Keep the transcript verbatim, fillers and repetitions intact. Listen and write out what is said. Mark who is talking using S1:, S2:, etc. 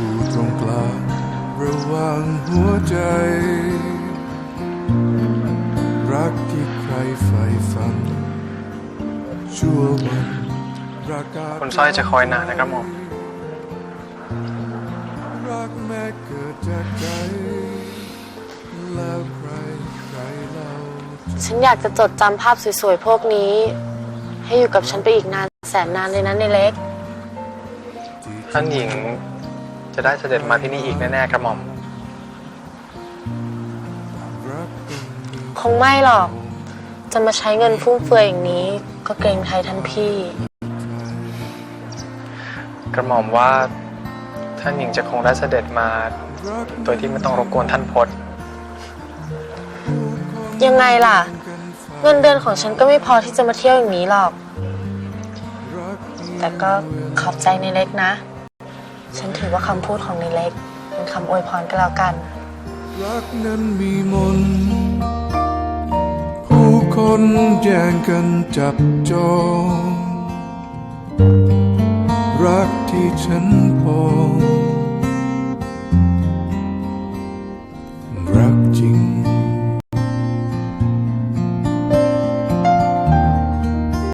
S1: อยู่ตรงกลางระหว่างหัวใจรักที่ใครใฝ่ฝันชั่ววันรัก
S2: คุณสร้อยจะคอยนานนะครับหม่อม
S1: รักแม้เกิดจากใจแล้วใครใครเล่า
S3: ฉันอยากจะจดจำภาพสวยๆพวกนี้ให้อยู่กับฉันไปอีกนานแสนนานเลยนะในเล็ก
S2: ท่านหญิงจะได้เสด็จมาที่นี่อีกแน่ๆกระหม่อม
S3: คงไม่หรอกจะมาใช้เงินฟุ่มเฟือยอย่างนี้ก็เกรงใจท่านพี่
S2: กระหม่อมว่าท่านหญิงจะคงได้เสด็จมาโดยที่ไม่ต้องรบกวนท่านพจน์
S3: ยังไงล่ะเงินเดือนของฉันก็ไม่พอที่จะมาเที่ยวอย่างนี้หรอกแต่ก็ขอบใจในเล็กนะฉันถือว่าคำพูดของในเล็กเป็นคำอวยพรก็แล้วกัน
S1: รักนั้นมีมนต์ผู้คนแย่งกันจับจองรักที่ฉันพอง